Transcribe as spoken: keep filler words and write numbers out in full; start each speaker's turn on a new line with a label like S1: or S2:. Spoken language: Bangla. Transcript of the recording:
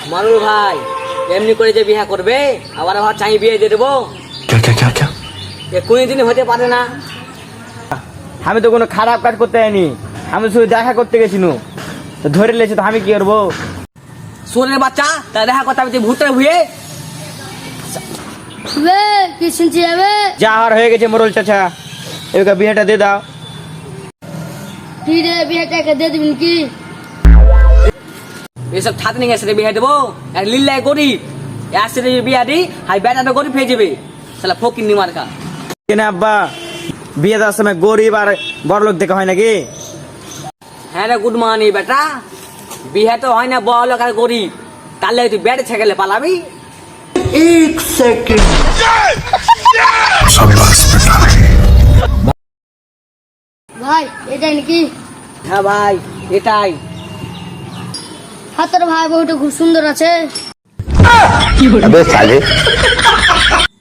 S1: মারুল ভাই এমনি করে যে বিয়ে করবে আবার আবার চাই বিয়ে দিয়ে দেবো
S2: क्या क्या क्या क्या
S1: এ কোনদিন হতে পারে না।
S3: আমি তো কোনো খারাপ কাজ করতে যাইনি, আমি শুধু দেখা করতে গেছিনু, তো ধরে লেছি তো আমি কি করবো?
S1: সোরের বাচ্চা তা দেখা কথা আমি ভূতের ভুয়ে
S4: বে কি শুনছি যাবে?
S3: যা আর হয়ে গেছে মোরল চাচা, এবার বিয়েটা দিয়ে দাও।
S4: কি রে বিয়েটাকে দিয়ে দিবেন কি?
S1: এসব ছাত্র নিয়ে এসে বিয়ে দেবো এক লিল্লাই গরিব আসছে বিয়া দি হাই বেটাটা গরিব হয়ে যাবে শালা ফকির নি মার্কা।
S3: কেন আব্বা, বিয়ে দেওয়ার সময় গরিব আর বড় লোক দেখা হয় নাকি?
S1: হ্যাঁ রে গুড মর্নিং বেটা, বিয়ে তো হয় না বড় লোক আর গরিব, তাহলে তুই বেড়ে ছেগেলে পালাবি।
S2: एक सेकंड शाबाश बेटा।
S4: ভাই এটাই নাকি?
S1: হ্যাঁ ভাই এটাই।
S4: হাতের ভাই বউটা খুব সুন্দর আছে।
S2: अबे साले